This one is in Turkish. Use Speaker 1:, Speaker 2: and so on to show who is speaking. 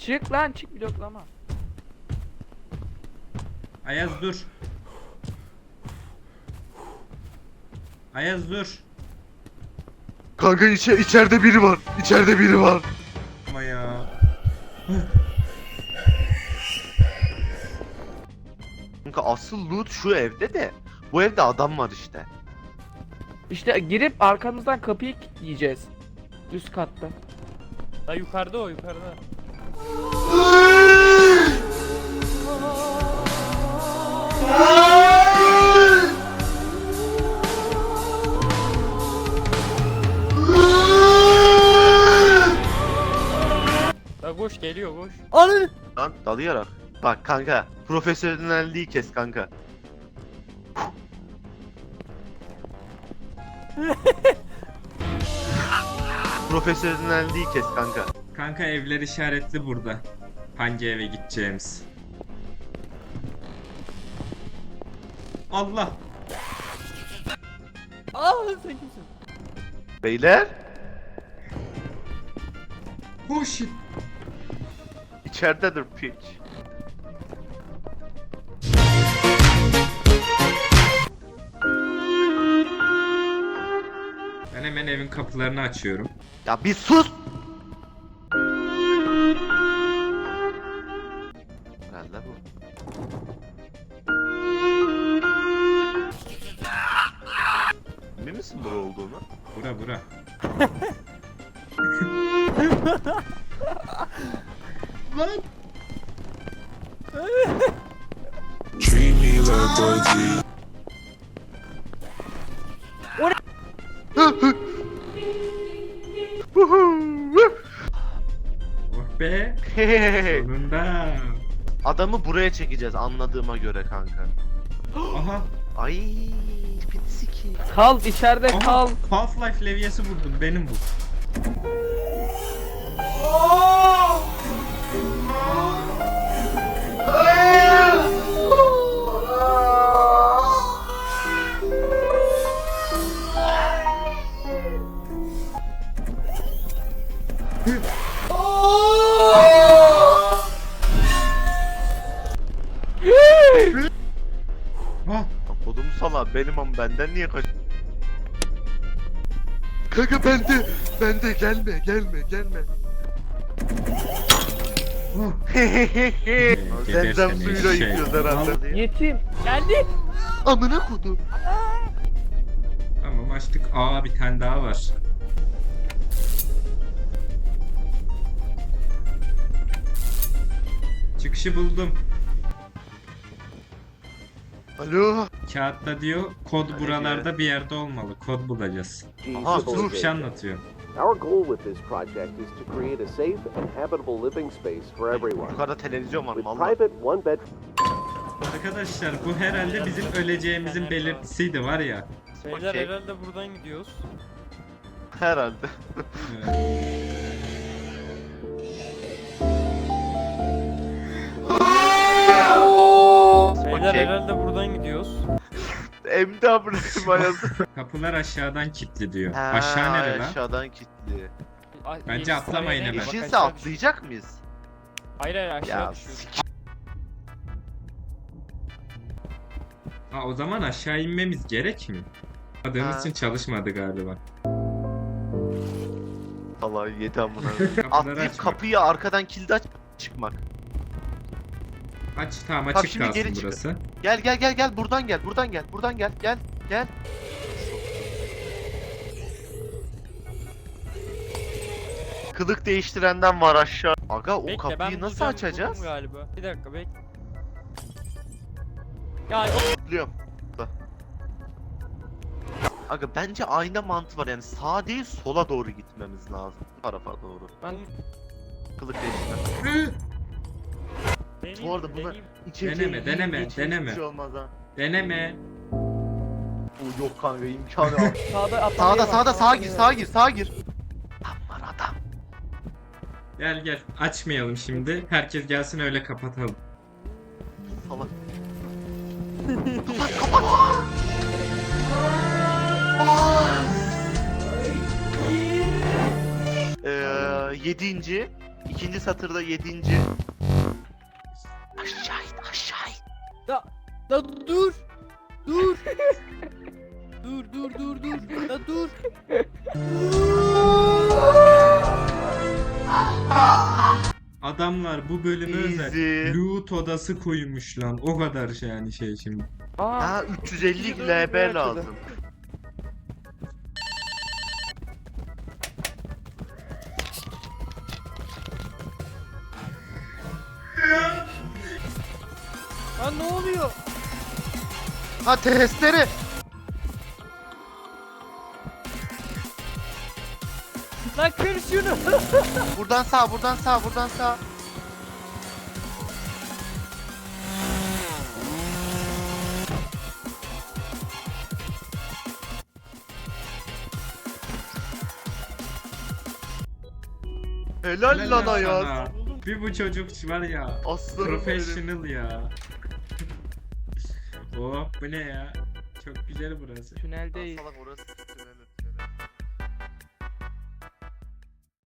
Speaker 1: Çık lan çık, bloklama.
Speaker 2: Ayaz dur. Ayaz dur.
Speaker 3: Kanka içeride biri var. İçeride biri var.
Speaker 2: Ama ya.
Speaker 3: Kanka asıl loot şu evde de. Bu evde adam var işte.
Speaker 1: İşte girip arkamızdan kapıyı kilitleyeceğiz. Üst katta.
Speaker 4: Da yukarıda o, yukarıda. Da koş, geliyor koş.
Speaker 1: Ananı.
Speaker 3: Lan dalayarak. Bak kanka. Profesyonelliği kes kanka. Profesyonelliği kes kanka.
Speaker 2: Kanka evler işaretli burada. Hangi eve gideceğimiz. Allah.
Speaker 4: Aa sen kimsin?
Speaker 3: Beyler.
Speaker 2: Oh shit.
Speaker 3: İçeridedir piç.
Speaker 2: Ben hemen evin kapılarını açıyorum.
Speaker 3: Ya bir sus. Herhalde bu. Emin misin bura olduğunu?
Speaker 2: Bura bura. Lan.
Speaker 5: Treat me like royalty.
Speaker 2: Oh be.
Speaker 3: Hehehe.
Speaker 2: Sonunda.
Speaker 3: Adamı buraya çekeceğiz anladığıma göre kanka.
Speaker 2: Aha.
Speaker 3: Ay piti ki.
Speaker 1: Kal içeride
Speaker 2: Aha.
Speaker 1: kal.
Speaker 2: Half-Life levyesi vurdum. Benim bu. Ah.
Speaker 3: Kodum sana benim ama benden niye kaç? Kanka bende gelme.
Speaker 2: Oh.
Speaker 3: Zemzem
Speaker 2: Gebersene
Speaker 3: suyuyla
Speaker 2: şey.
Speaker 3: yıkıyoruz herhalde diye.
Speaker 1: Yetim. Geldi.
Speaker 3: Amına kodum.
Speaker 2: Tamam açtık. Aa bir tane daha var. Çıkışı buldum.
Speaker 3: Alo.
Speaker 2: Kağıtta diyor kod buralarda bir yerde olmalı. Kod bulacağız.
Speaker 3: Aha
Speaker 2: Dur bir şey
Speaker 3: dur.
Speaker 2: anlatıyor.
Speaker 6: Our goal with this project is to create a safe and habitable living space for everyone.
Speaker 3: Yukarıda televizyon var
Speaker 6: With
Speaker 3: valla.
Speaker 6: private one-bed
Speaker 2: Arkadaşlar bu herhalde bizim öleceğimizin belirtisiydi var ya.
Speaker 4: Beyler
Speaker 3: Okey.
Speaker 4: herhalde buradan gidiyoruz.
Speaker 3: Herhalde.
Speaker 4: Beyler
Speaker 3: Okey.
Speaker 4: herhalde buradan gidiyoruz.
Speaker 3: Emdi amına bayazı.
Speaker 2: Kapılar aşağıdan kilitli diyor. Aşağı nere lan?
Speaker 3: Aşağıdan kilitli.
Speaker 2: Bence atlamayın hemen.
Speaker 3: İşinse atlayacak mıyız?
Speaker 4: Hayır hayır aşağı
Speaker 3: Ya
Speaker 4: düşüyoruz.
Speaker 2: Ha o zaman aşağı inmemiz gerek mi? Adığımız
Speaker 3: Ha.
Speaker 2: için çalışmadı galiba.
Speaker 3: Allah yedi amına.
Speaker 2: Kapıları
Speaker 3: Atlayıp
Speaker 2: açmak.
Speaker 3: kapıyı arkadan kilidi aç çıkmak.
Speaker 2: Aç tamam
Speaker 3: Bak
Speaker 2: açık
Speaker 3: şimdi
Speaker 2: kalsın
Speaker 3: geri çıkın.
Speaker 2: burası.
Speaker 3: Gel buradan gel. Kılık değiştirenden var aşağı. Aga o
Speaker 4: Bekle,
Speaker 3: kapıyı
Speaker 4: ben
Speaker 3: nasıl
Speaker 4: bulacağım,
Speaker 3: açacağız?
Speaker 4: buldum galiba. Bir dakika bekle. Ya
Speaker 3: Biliyorum. Da. Aga bence ayna mantığı var yani sağ değil sola doğru gitmemiz lazım. Bu tarafa doğru.
Speaker 1: Ben
Speaker 3: Kılık değiştirme.
Speaker 4: deneyim,
Speaker 3: Bu arada bunlar
Speaker 4: deneyim.
Speaker 3: içeceği
Speaker 2: Deneme,
Speaker 3: yiyince hiçbir
Speaker 2: deneme.
Speaker 3: şey olmaz ha.
Speaker 2: Deneme.
Speaker 3: Oo, yok kanka imkanı yok.
Speaker 1: sağda atlamaya
Speaker 3: Sağda
Speaker 1: bak,
Speaker 3: sağa gir. Tam var adam.
Speaker 2: Gel açmayalım şimdi. Herkes gelsin öyle kapatalım.
Speaker 3: Salak. 7. İkinci satırda 7. Aşağı in, aşağı in.
Speaker 4: Da dur. Dur. dur. Da dur.
Speaker 2: Adamlar bu bölüme özel
Speaker 3: Easy.
Speaker 2: loot odası koymuş lan. O kadar şey yani şey şimdi.
Speaker 1: Aa,
Speaker 3: Ha 350
Speaker 1: İkisi de
Speaker 3: LB
Speaker 1: açıldı.
Speaker 3: lazım.
Speaker 4: Lan ne oluyor?
Speaker 3: Ha testere.
Speaker 4: Lan kır şunu.
Speaker 3: Buradan sağ, buradan sağ, buradan sağ. Helal lan
Speaker 2: sana.
Speaker 3: Ayaz.
Speaker 2: Bir bu çocuk var ya.
Speaker 3: Aslanım benim.
Speaker 2: Professional ya. Oh bu ne ya? Çok güzel burası.
Speaker 1: tüneldeyiz.
Speaker 3: Salak orası tünel.